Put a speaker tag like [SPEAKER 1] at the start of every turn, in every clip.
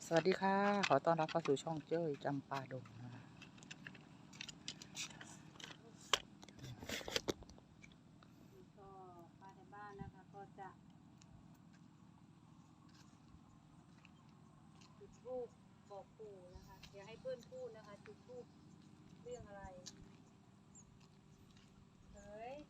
[SPEAKER 1] สวัสดีค่ะขอต้อนรับเข้าสู่ช่องเจ้ยจำปาดงนะ
[SPEAKER 2] ก็ป้าในบ้านนะคะก็จะจุดธูปบอกปู่นะคะเดี๋ยวให้เพื่อนพูดนะคะจุดธูปเรื่องอะไรเฮ้ย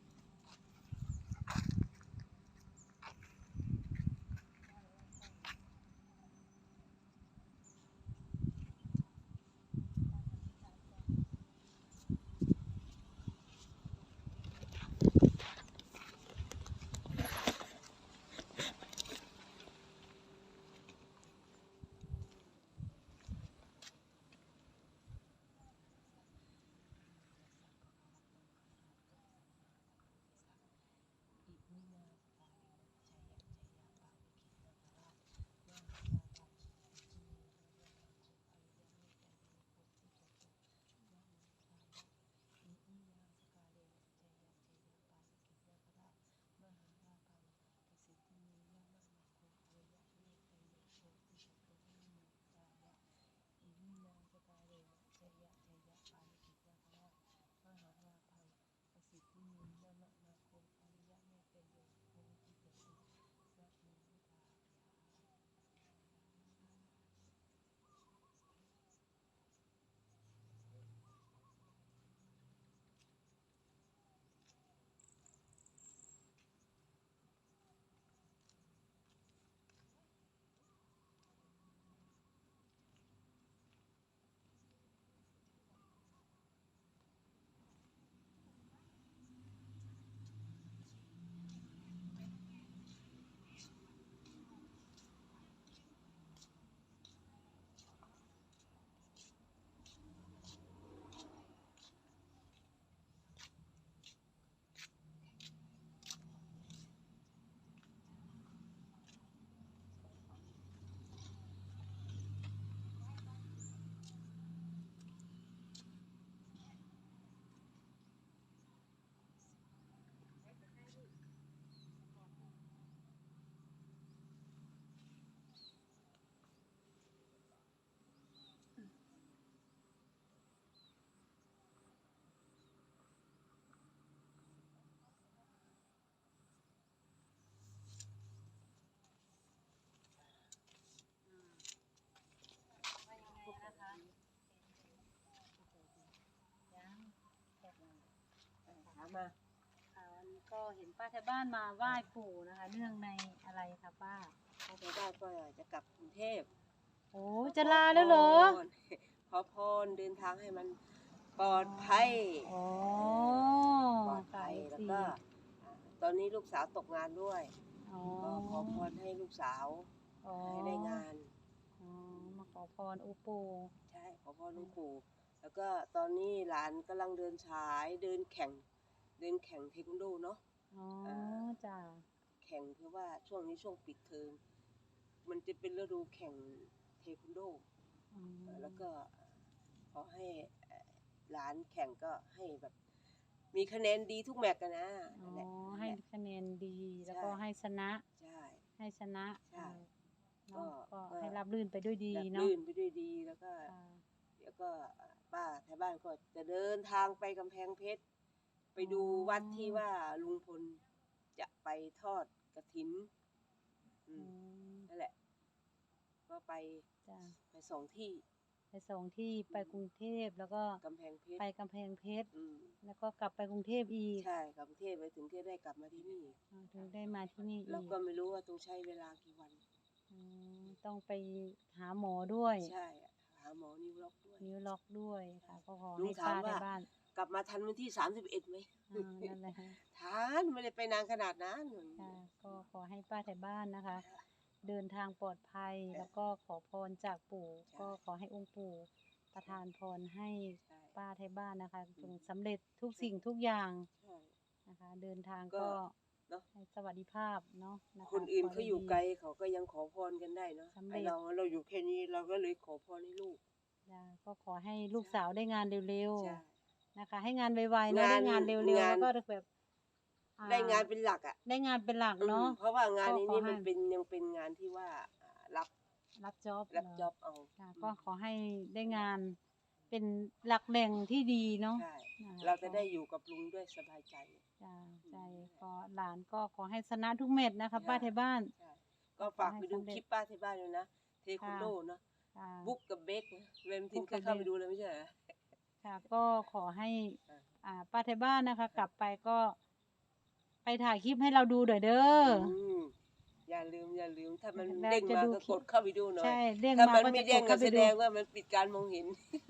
[SPEAKER 2] ว่ายังไงนะคะยัง
[SPEAKER 3] ถามมา
[SPEAKER 2] วันนี้ก็เห็นป้าแถวบ้านมาไหว้ปู่นะคะเนื่องในอะไรคะป้า
[SPEAKER 3] ถ้าจะได้ก็จะกลับกรุงเทพ
[SPEAKER 2] โอ้จะลาแล้วเหรอ
[SPEAKER 3] ขอพรเดินทางให้มันปลอดภัย
[SPEAKER 2] อ๋อ
[SPEAKER 3] ปลอดภัยแล้วก็ตอนนี้ลูกสาวตกงานด้วย
[SPEAKER 2] อ๋อ
[SPEAKER 3] ก็ขอพรให้ลูกสาว
[SPEAKER 2] อ๋อ
[SPEAKER 3] ให้ได้งาน
[SPEAKER 2] อ๋อมาขอพรอุปู่
[SPEAKER 3] ใช่ขอพรหลวงปู่แล้วก็ตอนนี้หลานกำลังเดินฉายเดินแข่งเทควันโดเนาะ
[SPEAKER 2] อ๋อจ้ะ
[SPEAKER 3] แข่งเพราะว่าช่วงนี้ช่วงปิดเทอมมันจะเป็นฤดูแข่งเทควันโด
[SPEAKER 2] อืม
[SPEAKER 3] แล้วก็ขอให้หลานแข่งก็ให้แบบมีคะแนนดีทุกแมตช์กันนะ
[SPEAKER 2] อ๋
[SPEAKER 3] นั่นแหละ
[SPEAKER 2] อให้คะแนนดีแล้วก็ให้ชนะ
[SPEAKER 3] ใช่
[SPEAKER 2] ให้ชนะ
[SPEAKER 3] ใช่
[SPEAKER 2] เนาะ
[SPEAKER 3] ก็
[SPEAKER 2] ก็ให้รับรื่นไปด้วยดี
[SPEAKER 3] แบบ
[SPEAKER 2] เนาะ
[SPEAKER 3] ลื่นไปด้วยดีแล้วก็
[SPEAKER 2] ค่ะ
[SPEAKER 3] เดี๋ยวก็ป้าแถวบ้านก็จะเดินทางไปกำแพงเพชรไปดูวัดที่ว่าลุงพลจะไปทอดกฐินนั่นแหละก็ไป
[SPEAKER 2] จ้ะ
[SPEAKER 3] ไปสองที่
[SPEAKER 2] ไปสองที่ไปกรุงเทพแล้วก็
[SPEAKER 3] กำแพงเพชร
[SPEAKER 2] ไปกำแพงเพชร
[SPEAKER 3] อืม
[SPEAKER 2] แล้วก็กลับไปกรุงเทพอีก
[SPEAKER 3] ใช่กรุงเทพไปถึงที่ได้กลับมาที่นี่
[SPEAKER 2] ถึงได้มาที่นี่อี
[SPEAKER 3] แล้ว
[SPEAKER 2] ก
[SPEAKER 3] ก็ไม่รู้ว่าต้องใช้เวลากี่วัน
[SPEAKER 2] ต้องไปหาหมอด้วย
[SPEAKER 3] ใช่หาหมอนิ้วล็อกด้วย
[SPEAKER 2] นิ้วล็อกด้วยค่ะก็ขอ
[SPEAKER 3] ลุ
[SPEAKER 2] ให้
[SPEAKER 3] งถาม
[SPEAKER 2] ป้าใน
[SPEAKER 3] ว่า
[SPEAKER 2] บ้าน
[SPEAKER 3] กลับมาทันวันที่31ไหม
[SPEAKER 2] นั่นแหละค่ะ
[SPEAKER 3] ทันไม่ได้ไปนานขนาดนั้น
[SPEAKER 2] ค่ะก็ขอให้ป้าแถวบ้านนะคะ เดินทางปลอดภัยแล้วก็ขอพรจากปู่ ก็ขอให้องค์ปู่ประทานพรให้
[SPEAKER 3] ใช่
[SPEAKER 2] ป้าแถวบ้านนะคะจงสำเร็จทุกสิ่งทุกอย่าง
[SPEAKER 3] ใช่
[SPEAKER 2] นะคะ เดินทาง
[SPEAKER 3] ก็
[SPEAKER 2] ก็
[SPEAKER 3] เนาะ
[SPEAKER 2] ให้สวัสดิภาพเนาะะะ
[SPEAKER 3] คนอื่นเขาอยู่ไกล
[SPEAKER 2] ขให้ดี
[SPEAKER 3] เขาก็ยังขอพรกันได้เนาะ
[SPEAKER 2] สำเร็จ
[SPEAKER 3] ไอเราอยู่แค่นี้เราก็เลยขอพรให้ลูก
[SPEAKER 2] จ้ะก็ขอให้ลูกสาวได้งานเร็ว
[SPEAKER 3] ใช่
[SPEAKER 2] ๆนะคะ ให้งานไวๆเนาะ
[SPEAKER 3] งาน
[SPEAKER 2] ได้งานเร็วๆ
[SPEAKER 3] งาน
[SPEAKER 2] แล้วก็แบบ
[SPEAKER 3] ได้งานเป็นหลักอ่ะ
[SPEAKER 2] ได้งานเป็นหลักเนาะ
[SPEAKER 3] เพราะว่างานนี้
[SPEAKER 2] ก็ขอให้
[SPEAKER 3] มันเป็นยังเป็นงานที่ว่ารับ
[SPEAKER 2] รับจ็อบ
[SPEAKER 3] รับจ็อบเอา
[SPEAKER 2] ค่ะก็ขอให้ได้งานเป็นหลักแหล่งที่ดีเนาะ
[SPEAKER 3] ใช่
[SPEAKER 2] อ่า
[SPEAKER 3] เราจะได้อยู่กับลุงด้วยสบายใจ
[SPEAKER 2] จ้าใจก็หลานก็ขอให้ชนะทุกเม็ดนะคะป้าไทยบ้าน
[SPEAKER 3] ใช่ก็ฝากไปดูคลิปป้าที่บ้านด้วยนะเทควันโดเนาะ
[SPEAKER 2] ค่ะ
[SPEAKER 3] บุ๊กกับเบคเวมทินเคยเข้าไปดูเลยไม่ใช่เหรอ
[SPEAKER 2] ค่ะก็ขอให้
[SPEAKER 3] อ่า
[SPEAKER 2] ป้าไทยบ้านนะคะ กลับไปก็ ไปถ่ายคลิปให้เราดูหน่อยเด้อ
[SPEAKER 3] อย่าลืมถ้ามัน
[SPEAKER 2] แล้ว
[SPEAKER 3] เด้ง
[SPEAKER 2] จะ
[SPEAKER 3] มา
[SPEAKER 2] ดู
[SPEAKER 3] ก็
[SPEAKER 2] คลิ
[SPEAKER 3] ก
[SPEAKER 2] ป
[SPEAKER 3] ดเข้าไปดูหน่อย
[SPEAKER 2] ใช่เด้ง
[SPEAKER 3] ถ้า
[SPEAKER 2] มา
[SPEAKER 3] มัน
[SPEAKER 2] ก็
[SPEAKER 3] ไม่
[SPEAKER 2] จะ
[SPEAKER 3] เด้
[SPEAKER 2] ก
[SPEAKER 3] ง
[SPEAKER 2] ด
[SPEAKER 3] ก็
[SPEAKER 2] เข้าไป
[SPEAKER 3] แส
[SPEAKER 2] ดู
[SPEAKER 3] ดงว่ามันปิดการมองเห็น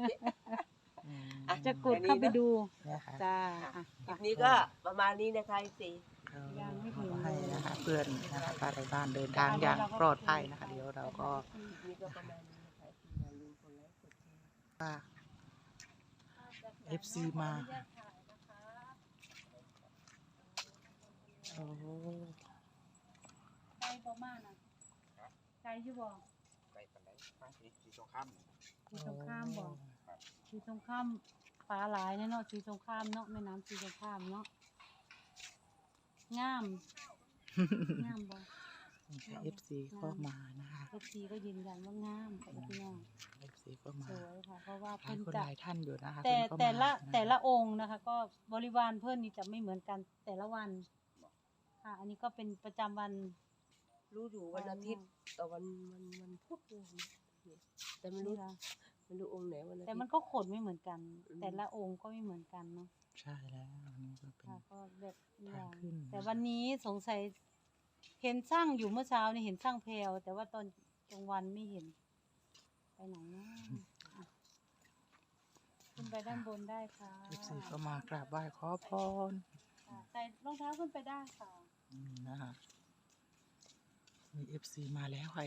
[SPEAKER 2] จะกดเข้าไปดู
[SPEAKER 1] เนี่ยค่ะ
[SPEAKER 2] จ้า
[SPEAKER 3] คลิปนี้ก็ประมาณนี้นะคะสิ
[SPEAKER 2] ยังไม่ถึง
[SPEAKER 1] ขอให้นะคะเพื่อนนะคะป้าไทยบ้านเดินทางอย่างปลอดภัยนะคะ เดี๋ยวเราก็
[SPEAKER 3] คลิปนี้ก็ประมาณนี้นะคะอย่าลืมกดไลค์กดแชร์
[SPEAKER 1] ฝาก FC มาโอ้
[SPEAKER 2] ไกลประมาณน่ะไกลอยู่บ่
[SPEAKER 4] ไปปันไดไปสีสงคราม
[SPEAKER 2] สีสงครามบ่สีสงครามปลาหลายเนาะสีสงครามเนาะแม่น้ำสีสงครามเนาะงามงามบ่
[SPEAKER 1] FC ก็มานะคะ
[SPEAKER 2] FC ก็ยืนยันว่างามค่ะพี่น้อง
[SPEAKER 1] FC ก็มา
[SPEAKER 2] สวยค่ะเพราะว่า
[SPEAKER 1] หลาย
[SPEAKER 2] เพิ่น
[SPEAKER 1] คน
[SPEAKER 2] จะ
[SPEAKER 1] หลายท่านอยู่นะคะ
[SPEAKER 2] แต่
[SPEAKER 1] เพิ่นก็
[SPEAKER 2] แต่ละ
[SPEAKER 1] มา
[SPEAKER 2] แต่ละองค์นะคะ ก็บริวารเพื่อนนี่จะไม่เหมือนกันแต่ละวันค่ะ อันนี้ก็เป็นประจำวัน
[SPEAKER 3] รู้อยู่วันอาทิตย์แต่วันพุธเลยนะแต่ไม่รู้
[SPEAKER 2] นี่ค่ะ
[SPEAKER 3] ไม่รู้องค์ไหนวันอาทิตย์
[SPEAKER 2] แต่มันก็ขนไม่เหมือนกัน
[SPEAKER 3] อืม
[SPEAKER 2] แต่ละองค์ก็ไม่เหมือนกันเนาะ
[SPEAKER 1] ใช่แล้วอันนี้ก็เป็น
[SPEAKER 2] ค่ะก็แบบอ
[SPEAKER 1] ทา
[SPEAKER 2] ย่าง ง
[SPEAKER 1] ขึ้น
[SPEAKER 2] แต่วันนี้สงสัยเห็นสร้างอยู่เมื่อเช้านี่เห็นสร้างแพรวแต่ว่าตอนกลางวันไม่เห็น ไปไหนนะอ่ะขึ้นไปด้านบนได้ค่ะ
[SPEAKER 1] FC ก็มากราบไหว้ขอพร
[SPEAKER 2] ค่ะใส่รองเท้าขึ้นไปได้ค่ะ
[SPEAKER 1] นะคะมี FC มาแล้วค่ะ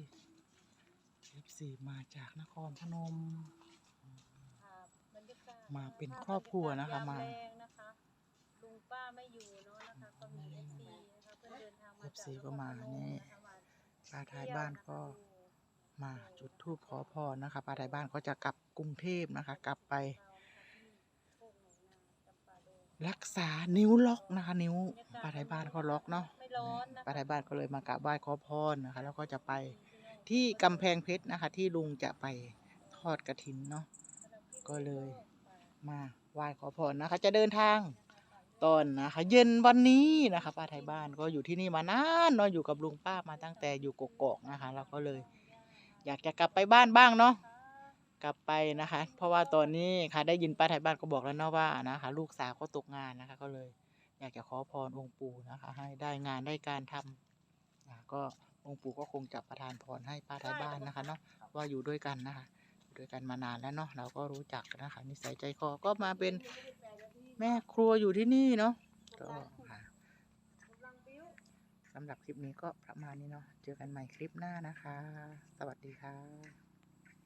[SPEAKER 1] FC มาจากนครพนม
[SPEAKER 2] ค่ะบรรยากาศ
[SPEAKER 1] มาเป็นครอบครัวนะคะมา
[SPEAKER 2] ยแรงนะคะลุงป้าไม่อยู่เนาะนะคะก็มี FC นะคะเพื่อนเดินทางมาจาก
[SPEAKER 1] FC ก็มานี่
[SPEAKER 2] ะคะมา
[SPEAKER 1] ป้าท้ายบ้านก็มาจุดธูปขอพรนะคะป้าท้ายบ้านก็จะกลับกรุงเทพนะคะ กลับไปรักษานิ้วล็อกนะคะ นิ้วป้าท้ายบ้านก็ล็อกเนาะ
[SPEAKER 2] ไม่ร้อนนะ
[SPEAKER 1] ป้าท้ายบ้านก็เลยมากราบไหว้ขอพรนะคะ แล้วก็จะไปที่กำแพงเพชรนะคะ ที่ลุงจะไปทอดกฐินเนาะก็เลยมาไหว้ขอพรนะคะ จะเดินทางตอนนะคะ เย็นวันนี้นะคะป้าท้ายบ้านก็อยู่ที่นี่มานานเนาะอยู่กับลุงป้ามาตั้งแต่อยู่กกอกนะคะเราก็เลย อยากจะกลับไปบ้านบ้างเนาะกลับไปนะคะ เพราะว่าตอนนี้ค่ะได้ยินป้าท้ายบ้านก็บอกแล้วเนาะว่านะคะ ลูกสาวก็ตกงานนะคะ ก็เลย อยากจะขอพรองค์ปู่นะคะ ให้ได้งานได้การทำก็องค์ปู่ก็คงจะประทานพรให้ป้าท้ายบ้านนะคะเนาะว่าอยู่ด้วยกันนะคะอยู่ด้วยกันมานานแล้วเนาะเราก็รู้จักนะคะนิสัยใจคอก็มาเป็นแม่ครัวอยู่ที่นี่เนาะก็ค่ะสำหรับคลิปนี้ก็ประมาณนี้เนาะเจอกันใหม่คลิปหน้านะคะ สวัสดีค่ะ